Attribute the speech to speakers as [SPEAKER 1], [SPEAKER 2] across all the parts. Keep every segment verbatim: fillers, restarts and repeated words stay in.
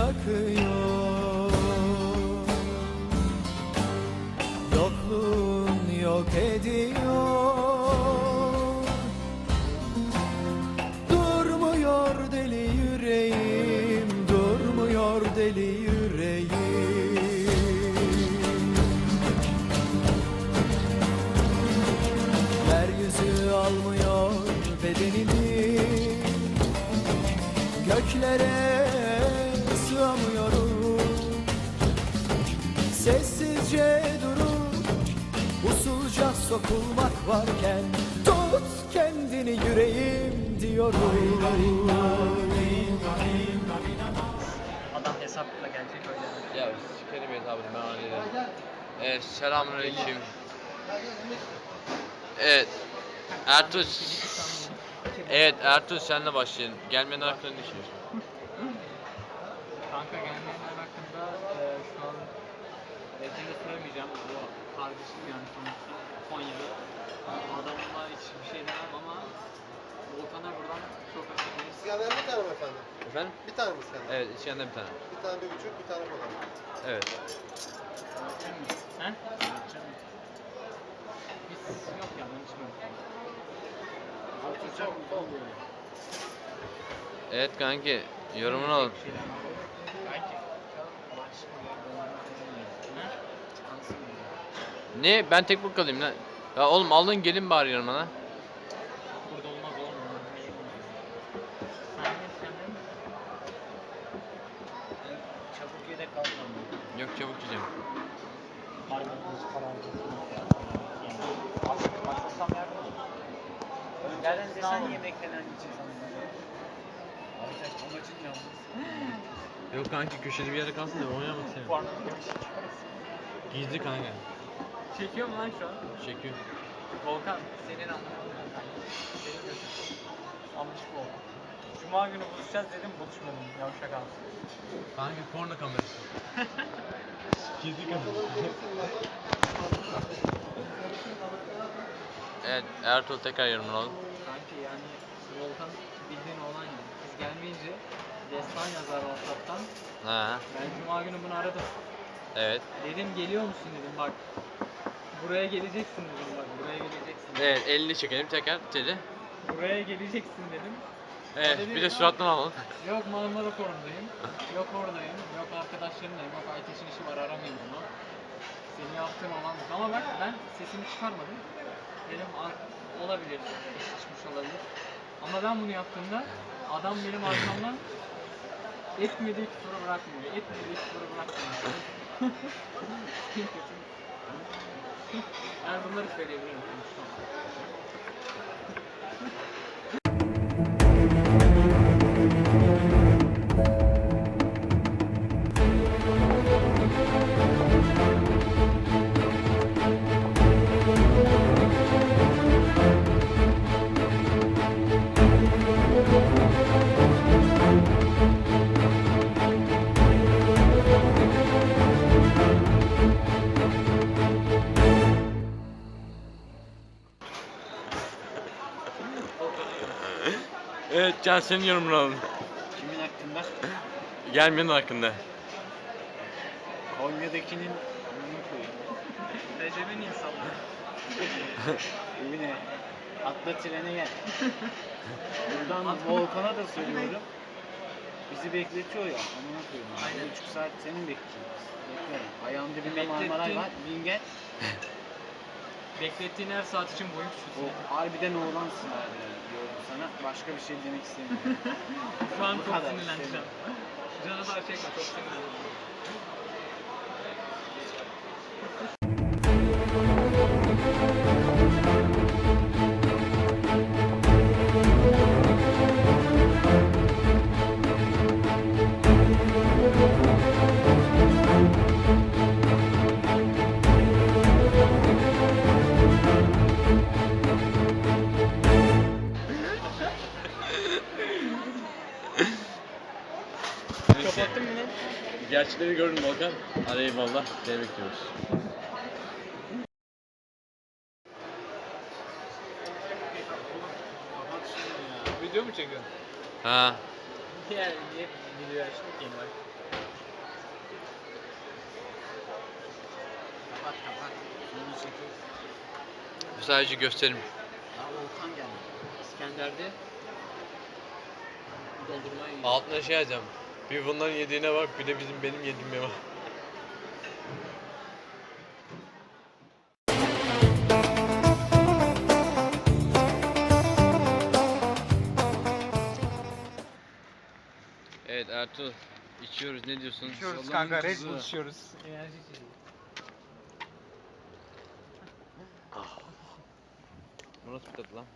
[SPEAKER 1] bırakıyor. Yokluğun yok ediyor. Durmuyor deli yüreğim, durmuyor deli yüreğim. Yeryüzü almıyor bedenimi, göklere sığamıyorum. Sessizce durup usulca sokulmak varken tut kendini yüreğim diyorum.
[SPEAKER 2] Adam hesapla gelecek öyle.
[SPEAKER 3] Ya sikerim hesabını ben hallederim. Evet, selamünaleyküm. Evet. Ertuğ. Evet Ertuğ, senle başlayalım. Gelmeyen hakkında ne düşünüyorsun?
[SPEAKER 2] Kanka gelmeyenler hakkında e, şu an Recep'e söylemeyeceğim. Bu kardeşim yani sonuçta Konya'da. Adamla hiçbir şey demem ama Volkan'a buradan çok özür dileriz.
[SPEAKER 4] İskender bir tane mi efendim?
[SPEAKER 3] Efendim?
[SPEAKER 4] Bir tane mi İskender?
[SPEAKER 3] Evet, içeride bir tane.
[SPEAKER 4] Bir tane bir buçuk, bir tane kola.
[SPEAKER 3] Evet.
[SPEAKER 2] He? Biz yok ya ben içmiyorum.
[SPEAKER 4] Oturacak mı? Olmuyor.
[SPEAKER 3] Evet kanki, yorumunu alın. Ne? Ben tek bu kalayım lan. Ya oğlum alın gelin bari yanıma lan.
[SPEAKER 2] Burada olmaz oğlum. Sen de sen de çabuk yedek kalmam.
[SPEAKER 3] Yok, çabuk yiyeceğim.
[SPEAKER 2] Nereden desen yemekten anneciğim. Arkadaş amacın yalnız.
[SPEAKER 3] Yok kanki, köşede bir yere kalsın da oynamak istemiyorum. Gizli kanka.
[SPEAKER 2] Çekiyor mu lan şu an?
[SPEAKER 3] Çekiyor.
[SPEAKER 2] Volkan senin anlamın. Senin gözün. Almış Volkan. Cuma günü buluşacağız dedim buluşmadım. Yavşak abi.
[SPEAKER 3] Kanka porno kamerası. Gizli kamera. Evet, Ertuğrul tekrar yorumunu alın.
[SPEAKER 2] Kanki yani Volkan bildiğin olan yani. Biz gelmeyince destan yazar WhatsApp'tan.
[SPEAKER 3] Ha,
[SPEAKER 2] Ben cuma günü bunu aradım.
[SPEAKER 3] evet.
[SPEAKER 2] Dedim geliyor musun dedim bak. Buraya geleceksin dedim bak. Buraya geleceksin.
[SPEAKER 3] Evet, elini çekelim tekrar dedi.
[SPEAKER 2] Buraya geleceksin dedim.
[SPEAKER 3] Evet,
[SPEAKER 2] O dedi,
[SPEAKER 3] bir de surattan alalım.
[SPEAKER 2] Yok Marmara Forum'dayım. Yok oradayım. Yok arkadaşlarımdayım. Yok Ayteş'in işi var aramayın bunu. Senin yaptığın olan bu. Ama bak ben sesimi çıkarmadım. Dedim "Ar- olabilir. İş çıkmış olabilir. Ama ben bunu yaptığımda adam benim arkamdan etmediği küfürü bırakmıyor. Etmediği küfürü bırakmıyor. En kötü. Yani bunları söyleyebilirim.
[SPEAKER 3] Evet, Can senin yorumunu alalım.
[SPEAKER 2] Kimin hakkında?
[SPEAKER 3] Gelmenin hakkında.
[SPEAKER 2] Konya'dakinin bunu koyayım. Recep'in insanları. Evine. Atla trene gel. Buradan Volkan'a da söylüyorum. Bizi bekletiyor ya. Amına koyayım. Aynen. Bir buçuk saat senin bekleyeceğiz. Bekliyorum. Ayağın dibinde Marmaray var. Bin gel. Beklettiğin her saat için boyun
[SPEAKER 4] O harbiden oğlansın abi. Diyorum sana. Başka bir şey demek istemiyorum.
[SPEAKER 2] Şu an
[SPEAKER 4] Bu
[SPEAKER 2] çok
[SPEAKER 4] kadar,
[SPEAKER 2] sinirlendim.
[SPEAKER 4] istemiyorum.
[SPEAKER 2] Canı daha çekme çok sinirlendim. Kapattın mı lan?
[SPEAKER 3] Gerçekleri gördüm Volkan. Hadi eyvallah. Seni bekliyoruz.
[SPEAKER 2] Video mu çekiyorsun?
[SPEAKER 3] Ha.
[SPEAKER 2] Niye, niye video açtık ki bak.
[SPEAKER 4] Kapat kapat. Bunu çekiyor.
[SPEAKER 3] Bu sadece gösterim.
[SPEAKER 4] Aa Volkan geldi.
[SPEAKER 2] İskender'de dondurmayı yiyor.
[SPEAKER 3] Altına şey yazacağım. Bir bunların yediğine bak, bir de bizim benim yediğime bak. Evet Ertuğ, içiyoruz, ne diyorsun?
[SPEAKER 4] İçiyoruz kanka, Red Bull
[SPEAKER 2] içiyoruz. Enerji içiyoruz.
[SPEAKER 3] Bu nasıl bir tadı lan?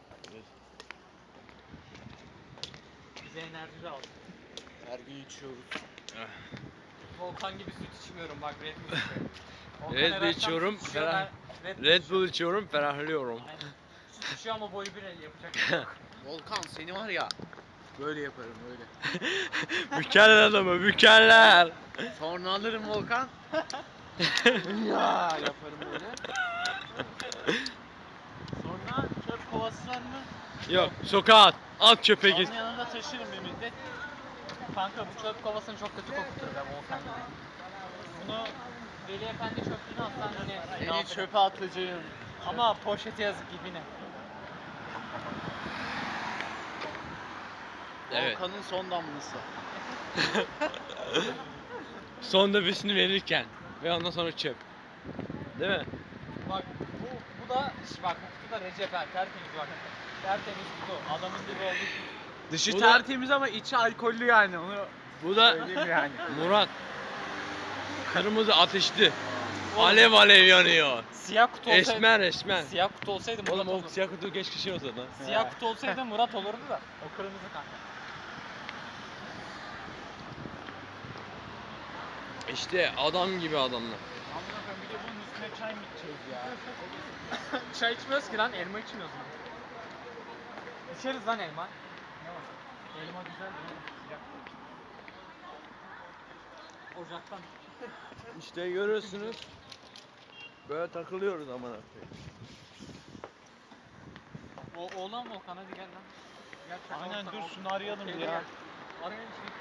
[SPEAKER 2] Bize enerji aldı.
[SPEAKER 4] Her gün içiyoruz.
[SPEAKER 2] Volkan gibi süt içmiyorum bak Red Bull içiyorum. Volkan
[SPEAKER 3] Red
[SPEAKER 2] her
[SPEAKER 3] Bull
[SPEAKER 2] akşam
[SPEAKER 3] içiyorum,
[SPEAKER 2] süt içiyor,
[SPEAKER 3] ferah-
[SPEAKER 2] ben Red Bull
[SPEAKER 3] Red
[SPEAKER 2] içiyorum.
[SPEAKER 3] Bull içiyorum, ferahlıyorum.
[SPEAKER 2] Aynen. Süt içiyor ama boyu bir el yapacak bir şey yok.
[SPEAKER 4] Volkan seni var ya. Böyle yaparım öyle.
[SPEAKER 3] Mükemmel adamı, mükemmel.
[SPEAKER 4] Sonra alırım Volkan. ya yaparım böyle. Sonra çöp kovası var mı?
[SPEAKER 3] Yok, sokağa at, at çöpe git.
[SPEAKER 4] Onun yanında taşırım bir müddet.
[SPEAKER 2] Kanka bu çöp kovasını çok kötü kokutur be Volkan gibi. Bunu Veli Efendi çöplüğüne atsan yine ne
[SPEAKER 4] Seni
[SPEAKER 2] yapacak?
[SPEAKER 4] çöpe atacağım.
[SPEAKER 2] Ama poşete yazık dibine.
[SPEAKER 3] Evet.
[SPEAKER 4] Volkan'ın son damlası.
[SPEAKER 3] Son nefesini verirken ve ondan sonra çöp. Değil mi?
[SPEAKER 2] Bak bu, bu da şş, bak bu kutu da Recep Er tertemiz bak. Tertemiz kutu. Adamın gibi oldu.
[SPEAKER 4] Dışı
[SPEAKER 3] Bu da-
[SPEAKER 4] tertemiz ama içi alkollü yani onu
[SPEAKER 3] Bu da
[SPEAKER 4] söyleyeyim yani.
[SPEAKER 3] Murat. Kırmızı ateşli. Alev alev yanıyor.
[SPEAKER 2] Siyah kutu olsaydı.
[SPEAKER 3] Esmer esmer.
[SPEAKER 2] Siyah kutu olsaydı Murat
[SPEAKER 3] Oğlum o
[SPEAKER 2] olurdu.
[SPEAKER 3] siyah kutu geç kişi olsa lan.
[SPEAKER 2] Siyah kutu olsaydı Murat olurdu da. O kırmızı kanka.
[SPEAKER 3] İşte adam gibi adamlar.
[SPEAKER 4] Anladım bir de bunun üstüne çay mı içeceğiz ya?
[SPEAKER 2] Çay içmiyoruz ki lan, elma içmiyoruz lan. İçeriz lan elma. Ne var? Elma güzel değil mi? Sıcak. Ocaktan.
[SPEAKER 3] İşte görüyorsunuz. Böyle takılıyoruz amına
[SPEAKER 2] O oğlan Volkan hadi gel lan. Gel çakal
[SPEAKER 4] Aynen,
[SPEAKER 2] olsan
[SPEAKER 4] dur
[SPEAKER 2] ol-
[SPEAKER 4] şunu arayalım
[SPEAKER 2] Gel,
[SPEAKER 4] ya.
[SPEAKER 2] gel. Arayın şey.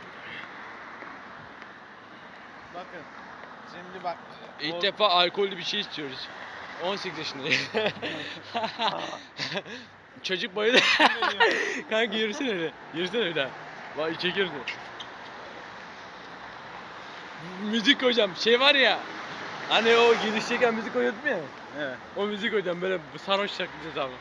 [SPEAKER 4] Bakın. Şimdi bak.
[SPEAKER 3] İlk
[SPEAKER 4] Vol-
[SPEAKER 3] defa alkollü bir şey istiyoruz. on sekiz yaşındayım. Çocuk bayıldı. Kanka yürüsene öyle. Yürüsene bir daha. Vay çekiyoruz. Müzik hocam şey var ya. Hani o girişteyken müzik koyuyordum ya.
[SPEAKER 4] Evet.
[SPEAKER 3] O müzik hocam böyle sarhoş şarkıcı abi.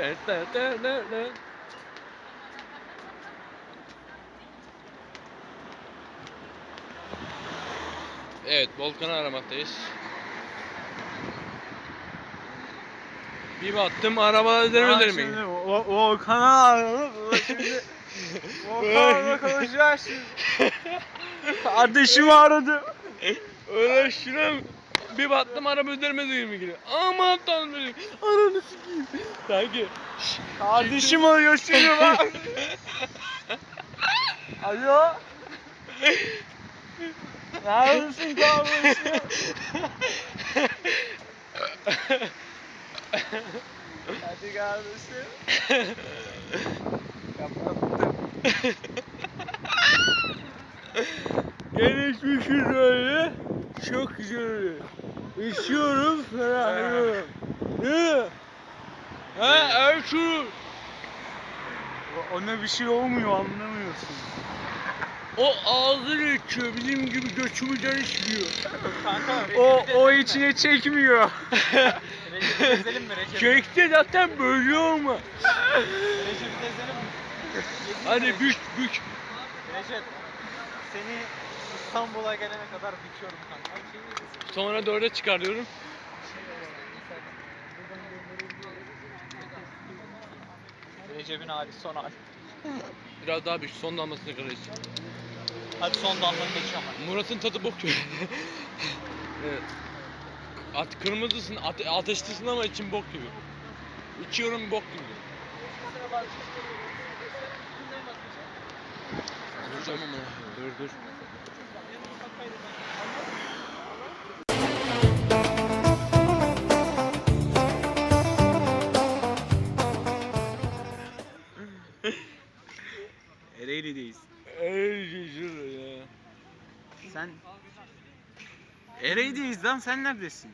[SPEAKER 3] Evet, Volkan'ı aramaktayız. Bir baktım arabalar üzerime üzerime.
[SPEAKER 4] Volkan'a arayalım. Şimdi Volkan'la konuşacağız şimdi. Kardeşimi aradım.
[SPEAKER 3] Öyle şuna bir baktım araba üzerime üzerime geliyor. Aman tanrım. Ananı sikeyim. Sanki.
[SPEAKER 4] Kardeşim arıyor şimdi bak. Alo. Neredesin kardeşim? Hadi kardeşim. Kapattım.
[SPEAKER 3] Gelişmişiz öyle. Çok güzel. İçiyorum ferahlıyorum. Değil mi? Ha Ertuğrul.
[SPEAKER 4] Ona bir şey olmuyor anlamıyorsun.
[SPEAKER 3] O ağzıyla içiyor. Bizim gibi göçümüzden içmiyor.
[SPEAKER 2] Kanka
[SPEAKER 4] O o içine çekmiyor.
[SPEAKER 2] Recep'i gezelim mi Recep?
[SPEAKER 3] Çekti zaten böyle olma.
[SPEAKER 2] Recep'i gezelim mi?
[SPEAKER 3] Hadi büş büş.
[SPEAKER 2] Recep seni İstanbul'a gelene kadar büküyorum kanka.
[SPEAKER 3] Sonra dörde çıkarıyorum.
[SPEAKER 2] Recep'in hali son hali.
[SPEAKER 3] Biraz daha büş. Son damlasını kırarız.
[SPEAKER 2] Hadi son damlanı geçiyorum ben.
[SPEAKER 3] Murat'ın tadı bok gibi. Evet. At kırmızısın, ate ateşlisin ama için bok gibi. İçiyorum bok gibi. Duracağım ama. Dur dur.
[SPEAKER 4] Ereğli'deyiz.
[SPEAKER 3] Ey
[SPEAKER 5] Sen Ereğli'deyiz lan, sen neredesin?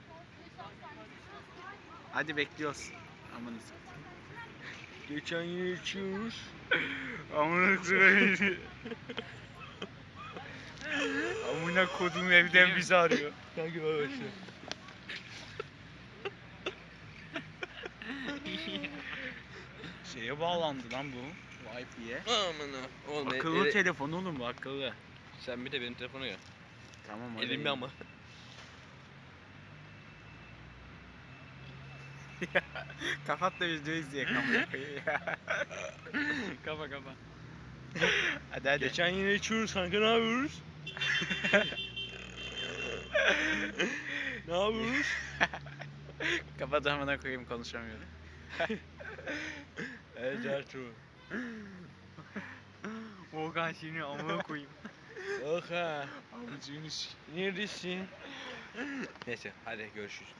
[SPEAKER 5] Hadi bekliyoruz. Amanız.
[SPEAKER 3] Geçen yıl içiyoruz.
[SPEAKER 5] Amına koyayım. Amına kodum evden bizi arıyor.
[SPEAKER 3] Kanka bak işte.
[SPEAKER 5] Şeye bağlandı lan bu. Wi-Fi'ye.
[SPEAKER 3] Amına. Oğlum
[SPEAKER 5] Akıllı
[SPEAKER 3] ele-
[SPEAKER 5] telefon oğlum bu, akıllı.
[SPEAKER 3] Sen bir de benim telefona gel.
[SPEAKER 5] Tamam hadi.
[SPEAKER 3] Elimde ama.
[SPEAKER 5] Kapat da video izleyek amına koyayım. Kapa kapa. Hadi hadi.
[SPEAKER 3] Geçen yine içiyoruz kanka, ne yapıyoruz? Ne yapıyoruz?
[SPEAKER 5] Kapat amına koyayım, konuşamıyorum.
[SPEAKER 3] Evet Ertuğrul.
[SPEAKER 5] Volkan şimdi amına koyayım.
[SPEAKER 3] Oha.
[SPEAKER 5] Amcığını s-
[SPEAKER 3] Neredesin? Neyse hadi görüşürüz.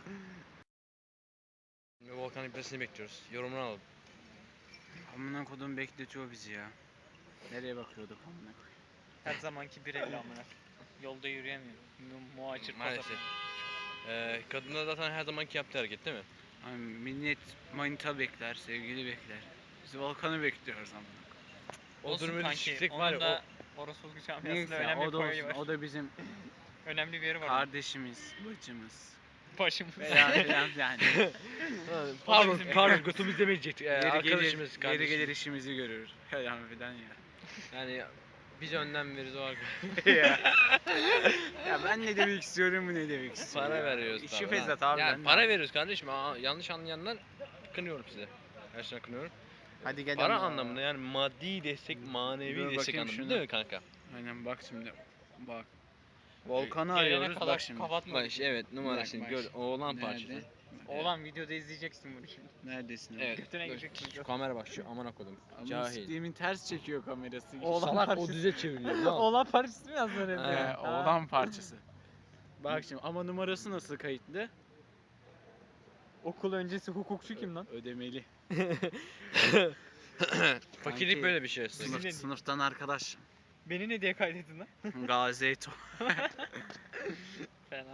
[SPEAKER 3] Ve Volkan'ın gitmesini bekliyoruz. Yorumunu alalım.
[SPEAKER 5] Amına kodum bekletiyor bizi ya. Nereye bakıyorduk amına koyayım?
[SPEAKER 2] Her zamanki bir evli amına. Yolda yürüyemiyorum. Mu- Muhacir
[SPEAKER 3] Maalesef. Ee, kadınlar zaten her zamanki yaptığı hareket değil mi?
[SPEAKER 5] Ay, millet manita bekler, sevgili bekler. Biz Volkan'ı bekliyoruz amına.
[SPEAKER 3] O
[SPEAKER 2] Olsun
[SPEAKER 3] durumun
[SPEAKER 2] kanki,
[SPEAKER 3] düşüklük
[SPEAKER 2] onun
[SPEAKER 3] var ya.
[SPEAKER 2] da Orospu camiasında
[SPEAKER 5] Neyse ya,
[SPEAKER 2] önemli
[SPEAKER 5] o da
[SPEAKER 2] bir payı var.
[SPEAKER 5] olsun. O da bizim
[SPEAKER 2] Önemli bir yeri var.
[SPEAKER 5] kardeşimiz, bacımız.
[SPEAKER 2] Başımız.
[SPEAKER 5] Veya falan yani.
[SPEAKER 3] Pardon,
[SPEAKER 2] bizim-
[SPEAKER 3] pardon götümüz demeyecektik. Ee,
[SPEAKER 5] Yeri
[SPEAKER 3] arkadaşımız,
[SPEAKER 5] gelir, yeri
[SPEAKER 3] kardeşimiz.
[SPEAKER 5] gelir işimizi görür. Falan filan ya.
[SPEAKER 3] Yani biz önden veririz o arkadaş.
[SPEAKER 5] ya. ya ben ne demek istiyorum, bu ne demek istiyorum.
[SPEAKER 3] Para veriyoruz
[SPEAKER 5] İşi
[SPEAKER 3] tabii.
[SPEAKER 5] fesat
[SPEAKER 3] lan.
[SPEAKER 5] abi.
[SPEAKER 3] Yani
[SPEAKER 5] ben
[SPEAKER 3] para
[SPEAKER 5] de-
[SPEAKER 3] veriyoruz kardeşim. Aa, yanlış anlayanlar kınıyorum size. Gerçekten kınıyorum.
[SPEAKER 5] Hadi gel
[SPEAKER 3] Para
[SPEAKER 5] ama.
[SPEAKER 3] anlamında yani maddi destek, manevi
[SPEAKER 5] Dur
[SPEAKER 3] destek
[SPEAKER 5] bakayım
[SPEAKER 3] anlamında
[SPEAKER 5] şuna.
[SPEAKER 3] değil mi kanka?
[SPEAKER 5] Aynen bak şimdi. Bak. Volkan'ı
[SPEAKER 2] Gelene
[SPEAKER 5] arıyoruz
[SPEAKER 2] kadar
[SPEAKER 5] bak şimdi.
[SPEAKER 2] kapatma.
[SPEAKER 3] Bak işte evet numarasını
[SPEAKER 5] Bak,
[SPEAKER 3] gör.
[SPEAKER 5] bak.
[SPEAKER 3] Oğlan
[SPEAKER 5] Nerede?
[SPEAKER 3] parçası.
[SPEAKER 2] Oğlan videoda izleyeceksin bunu şimdi.
[SPEAKER 5] Neredesin abi?
[SPEAKER 3] Evet.
[SPEAKER 2] Götüne
[SPEAKER 3] dur,
[SPEAKER 2] girecek
[SPEAKER 3] şu
[SPEAKER 2] video.
[SPEAKER 3] kamera bak şu amına kodum.
[SPEAKER 5] Ama
[SPEAKER 3] Cahil.
[SPEAKER 5] siktiğimin ters çekiyor kamerası.
[SPEAKER 2] Oğlan
[SPEAKER 3] Salak o
[SPEAKER 2] parçası.
[SPEAKER 3] düze çeviriyor lan.
[SPEAKER 2] Oğlan parçası mı yazdın hep
[SPEAKER 3] Ha.
[SPEAKER 5] Ee,
[SPEAKER 2] ya?
[SPEAKER 5] oğlan parçası. Bak şimdi ama numarası nasıl kayıtlı?
[SPEAKER 2] Okul öncesi hukukçu kim lan?
[SPEAKER 5] Ödemeli.
[SPEAKER 3] Fakirlik
[SPEAKER 5] Kanki,
[SPEAKER 3] böyle bir şey aslında.
[SPEAKER 5] Sınıf,
[SPEAKER 2] Sizin-
[SPEAKER 5] sınıftan arkadaş.
[SPEAKER 2] Beni ne diye kaydettin lan?
[SPEAKER 5] Gazete.
[SPEAKER 2] Fena.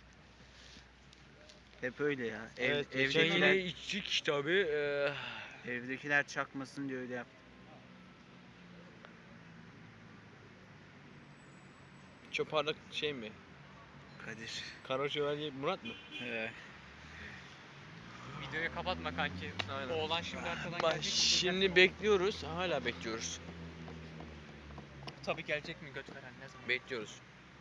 [SPEAKER 5] Hep öyle ya. Ev,
[SPEAKER 3] Evet, geçen
[SPEAKER 5] evdekiler,
[SPEAKER 3] yine içtik tabi. Ee,
[SPEAKER 5] evdekiler çakmasın diye öyle yap.
[SPEAKER 3] Çoparlık şey mi?
[SPEAKER 5] Kadir.
[SPEAKER 3] Kara Şövalye Murat mı?
[SPEAKER 5] Ee,
[SPEAKER 2] Videoyu kapatma kanki.
[SPEAKER 3] Aynen.
[SPEAKER 2] Oğlan şimdi arkadan
[SPEAKER 3] Bak
[SPEAKER 2] gelecek.
[SPEAKER 3] şimdi bekliyoruz. Hala bekliyoruz.
[SPEAKER 2] Tabii gelecek mi göt veren ne zaman?
[SPEAKER 3] Bekliyoruz.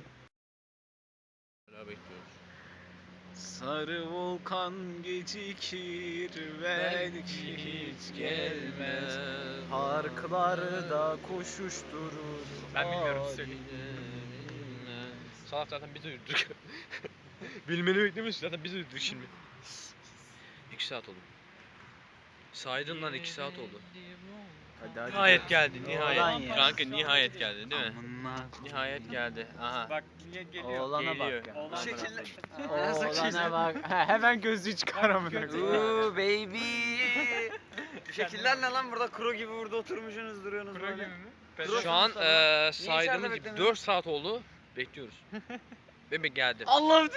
[SPEAKER 3] Hala bekliyoruz.
[SPEAKER 5] sarı volkan gecikir belki hiç gelmez. Parklarda koşuşturur.
[SPEAKER 2] Ben bilmiyorum, söyleyeyim.
[SPEAKER 3] Salak zaten biz uyuduk. Bilmeni beklemiş zaten biz uyuduk şimdi. iki saat oldu. Saydın lan iki saat oldu.
[SPEAKER 5] Hadi hadi.
[SPEAKER 3] Nihayet geldi
[SPEAKER 5] Oğlan
[SPEAKER 3] nihayet.
[SPEAKER 5] ya.
[SPEAKER 3] Kanka nihayet geldi değil mi?
[SPEAKER 5] Amına.
[SPEAKER 3] Nihayet geldi. Aha.
[SPEAKER 2] Bak niye geliyor?
[SPEAKER 5] Oğlana
[SPEAKER 3] Geliyor.
[SPEAKER 5] bak ya.
[SPEAKER 2] Oğlan
[SPEAKER 3] Şekiller-
[SPEAKER 5] Oğlana bak. Ha, hemen gözlüğü çıkar amına koyayım.
[SPEAKER 6] Uuu baby. Şekiller ne lan burada kuru gibi burada oturmuşsunuz duruyorsunuz
[SPEAKER 2] Kuro gibi
[SPEAKER 6] böyle.
[SPEAKER 2] mi?
[SPEAKER 3] Şu an eee saydığımız
[SPEAKER 6] içeride
[SPEAKER 3] gibi
[SPEAKER 6] beklemiyorsun?
[SPEAKER 3] dört saat oldu. Bekliyoruz. Bebek geldi.
[SPEAKER 5] Allah'ım.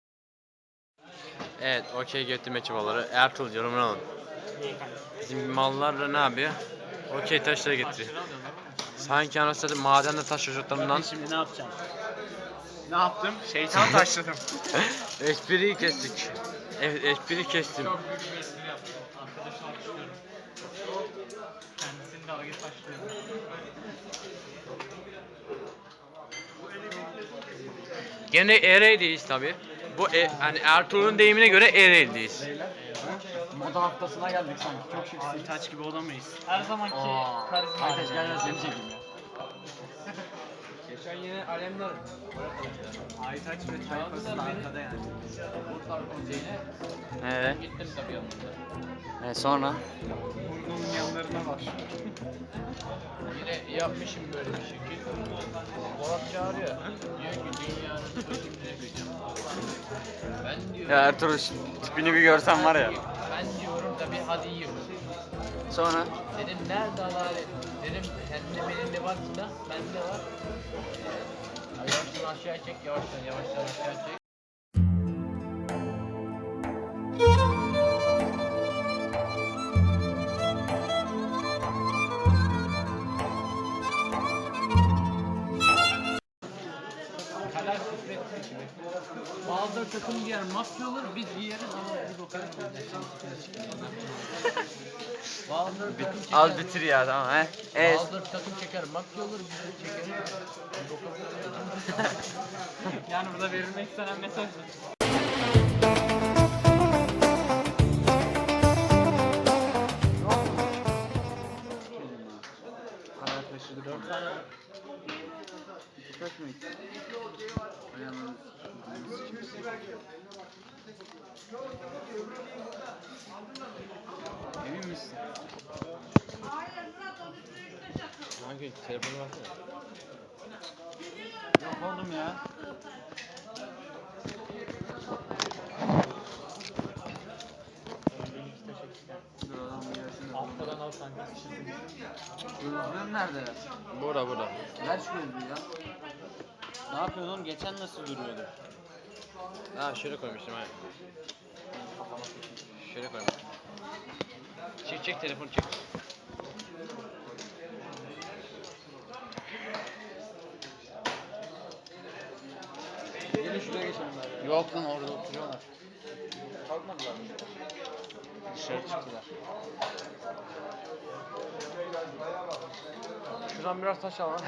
[SPEAKER 3] Evet, okey getirme çabaları. Ertuğrul yorumunu alın. Bizim mallarla ne yapıyor? Okey taşları getiriyor. Sanki anasını satayım madende taş çocuklarından
[SPEAKER 5] Şimdi ne yapacağım? Ne yaptım? Şeytan taşladım.
[SPEAKER 3] espriyi kestik. Evet, espriyi kestim.
[SPEAKER 2] Çok büyük bir espri yaptım. Arkadaşı alkışlıyorum. Kendisini dalga taşlıyorum.
[SPEAKER 3] Gene Ereğli'deyiz tabi. Bu e, hani Ertuğrul'un deyimine göre Ereğli'deyiz.
[SPEAKER 6] Moda haftasına geldik sanki çok şıksın.
[SPEAKER 5] Aytaç gibi olamayız.
[SPEAKER 2] Her zamanki karizma.
[SPEAKER 6] Aytaç gel gel seni çekeyim ya.
[SPEAKER 3] Geçen yine alemler.
[SPEAKER 5] Aytaç ve tayfası da arkada yani.
[SPEAKER 3] Kurtlar Konseyi'ne
[SPEAKER 6] Evet.
[SPEAKER 3] gittim tabii yanımda.
[SPEAKER 6] E sonra?
[SPEAKER 5] Burnunun yanlarına bak.
[SPEAKER 3] Yine yapmışım böyle bir şekil. Polat çağırıyor. Diyor ki dünyanın çözümünü yapacağım. Ben diyor.
[SPEAKER 6] Ya Ertuğrul tipini bir görsen var ya.
[SPEAKER 3] Ben diyorum tabii hadi yiyorum.
[SPEAKER 6] Sonra?
[SPEAKER 3] Dedim nerede adalet? Dedim kendine benim de var da bende var. Yavaştan aşağıya çek, yavaştan yavaştan aşağıya çek.
[SPEAKER 2] Kader kısmet seçimi. Bazıları takım giyer mafya olur, biz giyeriz ama biz o kadar Bazıları takım çeker.
[SPEAKER 6] Al bitir ya tamam he. Evet.
[SPEAKER 2] Bazıları takım çeker mafya olur, biz de çekeriz. Biz o kadar Yani burada verilmek istenen mesaj bu.
[SPEAKER 4] Karar taşıdık.
[SPEAKER 2] Dört tane
[SPEAKER 4] Kaç mı? Ayağımın Emin misin?
[SPEAKER 3] Hangi telefonu versene.
[SPEAKER 4] Yok oğlum ya. Dur adam gelsin.
[SPEAKER 2] Alttan al kanka.
[SPEAKER 4] Gözlüğüm nerede?
[SPEAKER 3] Burada burada.
[SPEAKER 4] Ver şu gözlüğü ya.
[SPEAKER 3] Ne yapıyorsun oğlum? Geçen nasıl duruyordu? Ha şöyle koymuştum ha. Şöyle koymuştum. Çek çek telefonu çek.
[SPEAKER 4] Gelin şuraya geçelim bari.
[SPEAKER 3] Yok lan orada oturuyorlar.
[SPEAKER 4] Kalkmadılar mı?
[SPEAKER 3] Dışarı çıktılar. Şuradan biraz taş al lan.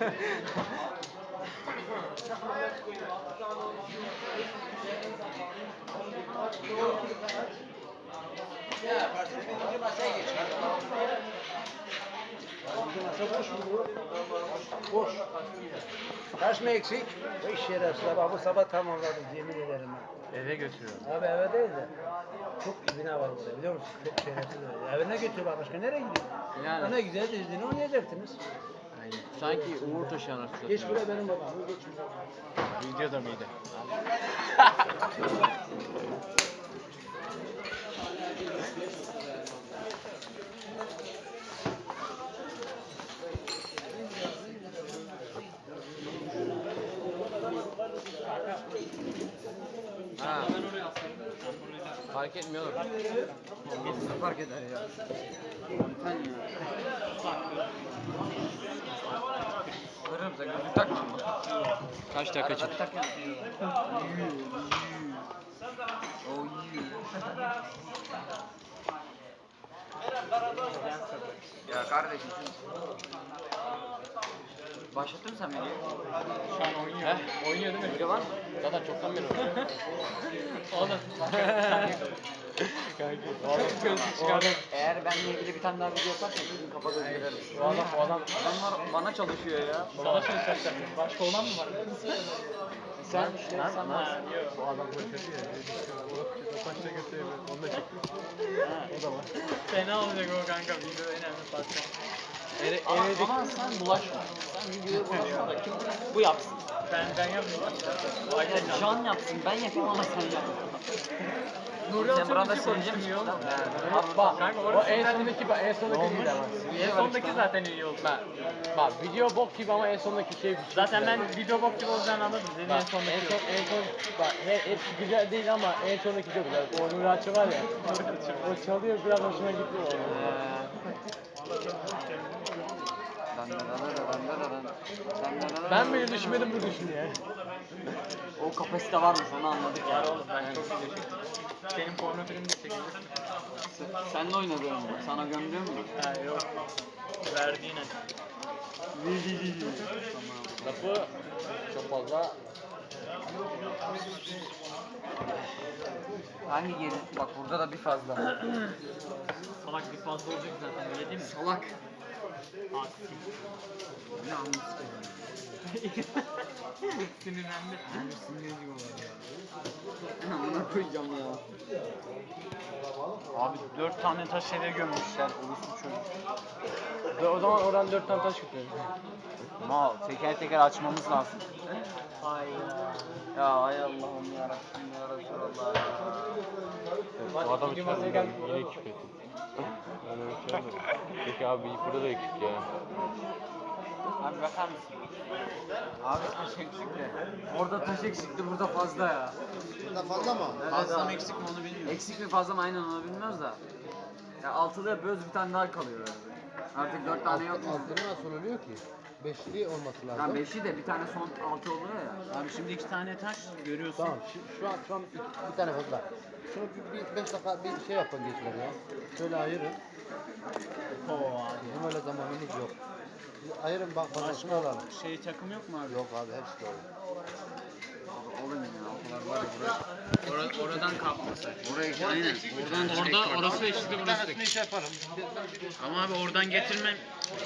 [SPEAKER 7] Boş. Taş mı eksik? Bu iş şerefsiz sabah bu sabah tamamladım yemin ederim. ben.
[SPEAKER 3] Eve götürüyorum.
[SPEAKER 7] Abi eve değil de çok ibine var burada biliyor musun? Çok şerefsiz var. Evine götürüyorlar başka nereye gidiyor?
[SPEAKER 3] Yani.
[SPEAKER 7] Ana güzel izini oynayacaktınız.
[SPEAKER 3] Aynen. Sanki Uğur taşı anasını
[SPEAKER 7] Geç
[SPEAKER 3] satıyor.
[SPEAKER 7] buraya benim babam. Geç buraya.
[SPEAKER 3] Videoda mıydı? Ha.
[SPEAKER 2] Ben oraya atsaydım. Sen buraya da-
[SPEAKER 3] Fark etmiyor oğlum.
[SPEAKER 4] Ne fark eder ya? Sen ya. Kırım sen gözlük takma mı?
[SPEAKER 3] Kaç dakika çıktı?
[SPEAKER 4] Tak ya. Oh you. Ya kardeşim. Başlattın mı sen beni?
[SPEAKER 2] Şu an oynuyor.
[SPEAKER 3] Heh, oynuyor değil mi?
[SPEAKER 4] Video var mı?
[SPEAKER 3] Zaten çoktan beri oynuyor.
[SPEAKER 2] Oğlum.
[SPEAKER 3] Çok gözlük çıkardım.
[SPEAKER 4] Eğer benimle ilgili bir tane daha video yaparsan bugün kafa göz girerim.
[SPEAKER 3] Bu adam, bu adam.
[SPEAKER 4] Adamlar bana çalışıyor ya.
[SPEAKER 2] Sana şey söyleyecektim. Başka olan mı var?
[SPEAKER 4] Sen işte
[SPEAKER 3] Lan,
[SPEAKER 4] sen
[SPEAKER 3] lan.
[SPEAKER 4] varsın.
[SPEAKER 3] Bu adam çok kötü ya. O taşla götürüyor. Onu da çektim. O da var.
[SPEAKER 2] Fena olacak o kanka. Video önemli parça.
[SPEAKER 3] Ere,
[SPEAKER 4] Ama,
[SPEAKER 3] eredik.
[SPEAKER 4] ama sen bulaşma. Sen videoya bulaşma da kim bu yapsın?
[SPEAKER 2] Ben ben yapmayacağım.
[SPEAKER 4] Aynen Can yapsın. Ben yapayım ama sen yap.
[SPEAKER 2] Nuri
[SPEAKER 4] Sen
[SPEAKER 2] Alçak'ın
[SPEAKER 4] burada
[SPEAKER 2] bir
[SPEAKER 4] sileceğim
[SPEAKER 2] konuşmuyor.
[SPEAKER 3] Bak, bak.
[SPEAKER 2] Kanka
[SPEAKER 3] O
[SPEAKER 2] orası
[SPEAKER 3] en
[SPEAKER 2] zaten-
[SPEAKER 3] sondaki, bak en sondaki değil ama.
[SPEAKER 2] En sondaki zaten iyi oldu.
[SPEAKER 3] Bak, bak video bok gibi ama en sondaki şey.
[SPEAKER 2] Zaten ben video bok gibi olacağını anladım. Dedi en
[SPEAKER 3] Bak, en
[SPEAKER 2] sondaki
[SPEAKER 3] son,
[SPEAKER 2] yok.
[SPEAKER 3] en son, bak he, hepsi güzel değil ama en sondaki çok güzel. O Nuri Alçı var ya. O çalıyor biraz hoşuma gitti o. Ben bile düşünmedim bu düşünüyor.
[SPEAKER 6] O kapasite varmış onu anladık ya.
[SPEAKER 2] Var oğlum ben çok video çektim. Benim porno filmi de çekildi.
[SPEAKER 6] Sen de oynadın mı? Sana gömdün mü?
[SPEAKER 2] Ha yok. Verdiğine.
[SPEAKER 3] Lafı çok fazla.
[SPEAKER 6] Hangi geri? Bak burada da bir fazla.
[SPEAKER 2] Salak bir fazla olacak zaten öyle değil mi?
[SPEAKER 6] Salak.
[SPEAKER 2] Aksi.
[SPEAKER 6] Ne anlatıyorsun?
[SPEAKER 2] Sinirlendi.
[SPEAKER 6] Amına koyacağım ya. Abi dört tane taş eve gömmüşler. Orası çocuk.
[SPEAKER 3] O zaman oradan dört tane taş götürelim.
[SPEAKER 6] Mal teker teker açmamız lazım.
[SPEAKER 2] Hayır.
[SPEAKER 6] Ya ay Allah'ım yarabbim ya Resulallah ya.
[SPEAKER 3] Bu adam için yine ekip ettim. Peki abi burada da ekip ya.
[SPEAKER 5] Abi bakar mısın? Abi taş eksikti.
[SPEAKER 6] Orada taş eksikti, burada fazla ya.
[SPEAKER 7] Burada fazla mı?
[SPEAKER 5] Fazla mı eksik mi onu bilmiyorum.
[SPEAKER 6] Eksik mi fazla mı aynen onu bilmiyoruz da. Ya altıda yapıyoruz, bir tane daha kalıyor öyle. Artık dört tane yok mu?
[SPEAKER 7] Altını nasıl oluyor ki? Beşli olması lazım.
[SPEAKER 6] Ya beşi de bir tane son altı oluyor ya.
[SPEAKER 5] Abi şimdi iki tane taş görüyorsun.
[SPEAKER 7] Tamam şu, şu an şu an iki- bir tane fazla. Şunu bir, bir beş dakika bir şey yapın gençler ya. Şöyle ayırın.
[SPEAKER 5] Oo abi.
[SPEAKER 7] Bizim öyle zamanımız yok. Bir ayırın bak bana şunu alalım.
[SPEAKER 5] Şey takım yok mu abi?
[SPEAKER 7] Yok abi hepsi doğru.
[SPEAKER 6] Olur mu ya? O kadar var ya buraya.
[SPEAKER 5] Or- oradan kapması.
[SPEAKER 6] Oraya aynen. Oradan
[SPEAKER 2] Orada
[SPEAKER 6] çek.
[SPEAKER 2] orası eşitli burası da.
[SPEAKER 7] iş yaparım.
[SPEAKER 5] Ama abi oradan getirmem.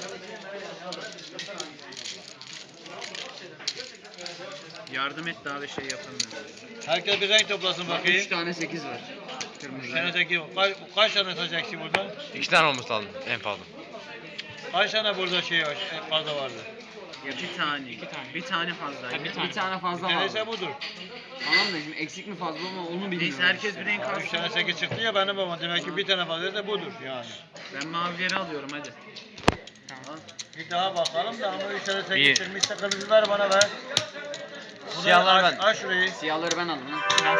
[SPEAKER 5] Yardım et daha bir şey yapalım.
[SPEAKER 8] Herkes bir renk toplasın
[SPEAKER 6] Üç
[SPEAKER 8] bakayım.
[SPEAKER 6] tane sekiz var. Kırmızı.
[SPEAKER 8] Tane sekiz. Kaç, kaç tane saçacaksın burada?
[SPEAKER 3] İki tane olması lazım en fazla.
[SPEAKER 8] Kaç tane burada şey var, fazla vardı?
[SPEAKER 5] Ya bir tane. İki tane. Bir tane fazla.
[SPEAKER 2] Ha, bir tane.
[SPEAKER 6] Bir tane fazla var.
[SPEAKER 8] Neyse budur.
[SPEAKER 6] Tamam da şimdi eksik mi fazla mı onu bilmiyorum.
[SPEAKER 5] Neyse herkes bir renk
[SPEAKER 8] Üç
[SPEAKER 5] alsın.
[SPEAKER 8] tane sekiz çıktı ya benim babam. Demek ki bir tane fazlaysa budur yani.
[SPEAKER 5] Ben mavileri alıyorum hadi.
[SPEAKER 8] Bir daha bakalım da ama üç tane
[SPEAKER 3] Bir.
[SPEAKER 8] sekiz çıkmışsa kırmızı ver bana ver. Bunu
[SPEAKER 3] Siyahlar
[SPEAKER 8] aç-
[SPEAKER 3] ben.
[SPEAKER 8] Aç şurayı.
[SPEAKER 6] Siyahları ben aldım. ha.
[SPEAKER 2] Ben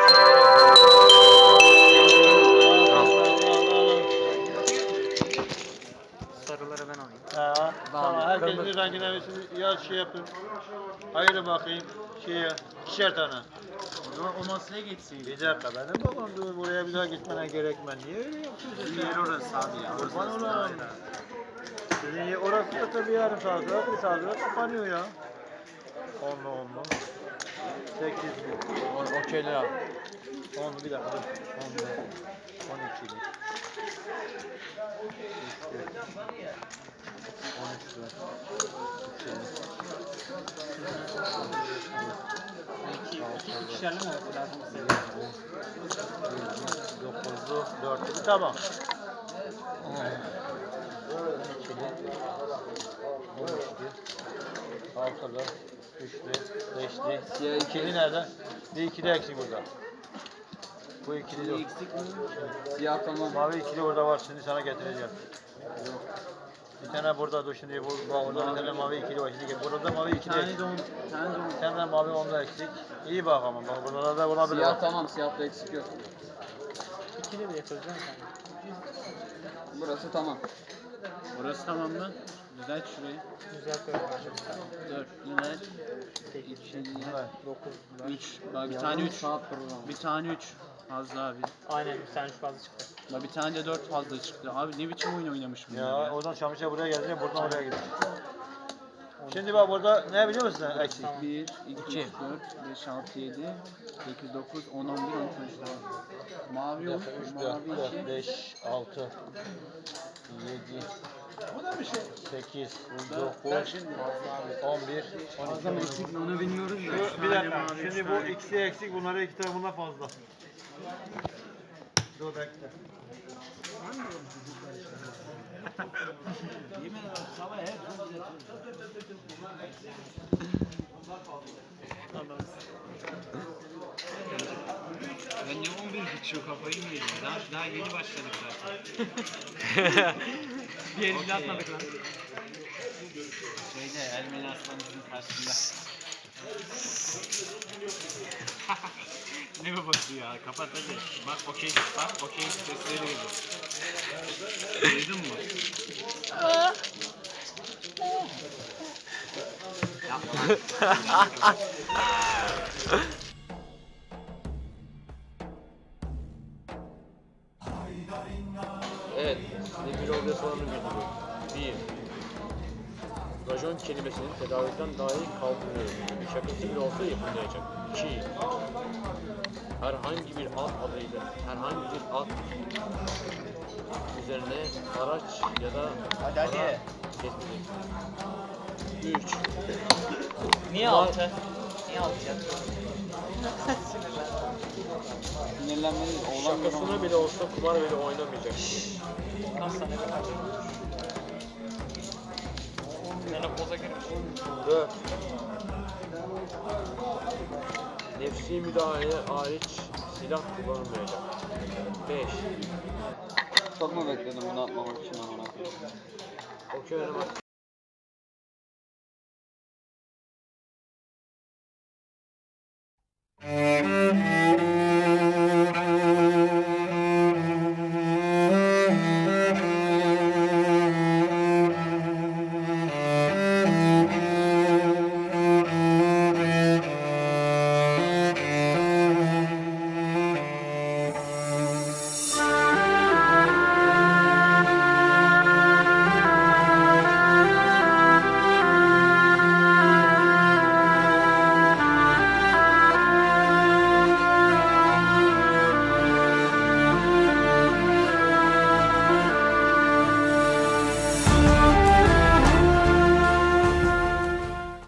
[SPEAKER 2] sarıları ben alayım.
[SPEAKER 8] Ha, tamam.
[SPEAKER 6] Tamam,
[SPEAKER 8] Herkes
[SPEAKER 6] kırmızı.
[SPEAKER 8] bir rengine versin. Yaz şey yapın. Hayır bakayım. Şeye, ikişer tane.
[SPEAKER 5] O zaman o masaya geçsin.
[SPEAKER 8] Bir dakika benim babam dur buraya bir daha gitmene gerekmez. Niye öyle yapıyorsun?
[SPEAKER 5] Bizim yer orası abi ya.
[SPEAKER 8] Kurban olayım. Sizin yer- orası da tabii yarım saat sonra bir saat sonra kapanıyor ya. Onlu onlu. Sekiz bin.
[SPEAKER 3] Okeyler abi.
[SPEAKER 8] Onlu bir dakika. Onlu. On iki bin. On üç bin.
[SPEAKER 2] İki kişilerle mi olması lazım?
[SPEAKER 8] Dokuzlu, dörtlü. Tamam. İkili, on üçlü, altılı, üçlü, beşli.
[SPEAKER 6] Siyah iki.
[SPEAKER 8] İkili nerede? Bir ikili eksik burada. Bu ikili yok.
[SPEAKER 6] Eksik mi? Siyah tamam.
[SPEAKER 8] Mavi ikili orada var. Şimdi sana getireceğim. Bir tane burada dur şimdi. Bu, bu orada bir tane mavi ikili var. Şimdi burada mavi
[SPEAKER 5] Bir
[SPEAKER 8] ikili
[SPEAKER 5] tane
[SPEAKER 8] eksik.
[SPEAKER 5] de on. Bir tane de on.
[SPEAKER 8] Bir tane mavi onda eksik. İyi bak ama bak burada da olabilir.
[SPEAKER 6] Siyah
[SPEAKER 8] bak.
[SPEAKER 6] tamam, siyahta eksik yok.
[SPEAKER 2] İkili de yapacağım sen.
[SPEAKER 6] Burası tamam.
[SPEAKER 5] Burası tamam mı? Düzelt şurayı.
[SPEAKER 2] Güzel koyalım.
[SPEAKER 5] Dört. Düzelt.
[SPEAKER 8] Evet.
[SPEAKER 2] dokuz.
[SPEAKER 5] Üç. Bak bir tane üç.
[SPEAKER 6] Saat programı.
[SPEAKER 5] Bir tane üç. Fazla abi.
[SPEAKER 2] Aynen bir tane şu fazla çıktı.
[SPEAKER 5] Bak bir tane de dört fazla çıktı. Abi ne biçim oyun oynamış bunlar
[SPEAKER 8] Ya
[SPEAKER 5] ya.
[SPEAKER 8] oradan Şamış'a buraya gelince buradan oraya gidiyor. Şimdi bak burada ne biliyor musun sen eksik?
[SPEAKER 2] Tamam.
[SPEAKER 5] bir, iki, üç, dört, beş, altı, yedi, sekiz, dokuz, on, on bir, on iki, on üç. Mavi yok.
[SPEAKER 8] üç,
[SPEAKER 5] Mavi
[SPEAKER 8] dört, dört,
[SPEAKER 5] iki.
[SPEAKER 8] beş, altı, yedi, sekiz, dokuz, on bir, on iki.
[SPEAKER 6] Fazla mı eksik mi onu bilmiyoruz da.
[SPEAKER 8] Şu, bir dakika. Şimdi bu ikisi eksik, bunları iki tane bundan fazla. Dur bekle.
[SPEAKER 5] Ya ne on bir geçiyor kafayı mı yedin? Daha, daha yeni başladık zaten.
[SPEAKER 2] Bir el bile atmadık lan.
[SPEAKER 5] Şeyde Ermeni aslanımızın karşısında. Ne babası ya? Kapat hadi. Bak okey, bak okey sesleri geliyor. Duydun mu?
[SPEAKER 3] Evet, size bir orada sorunu getiriyorum. Bir, rajon kelimesinin tedaviden dahi kaldırılıyor. Şakası bile olsa yapılmayacak. İki, herhangi bir at adıyla, herhangi bir at üzerine araç ya da hadi, hadi. Kesmeyecek. Üç,
[SPEAKER 2] Niye altı? Niye altı ya?
[SPEAKER 6] Sinirlenmeli. Oğlan
[SPEAKER 3] şakasına bile olsa kumar bile oynamayacak.
[SPEAKER 2] Kaç tane kadar? Yani poza girmiş.
[SPEAKER 3] Dört, nefsi müdahale hariç silah kullanılmayacak. Beş,
[SPEAKER 6] Çok mu bekledim bunu atmamak için amına koyayım?
[SPEAKER 3] okey oynamak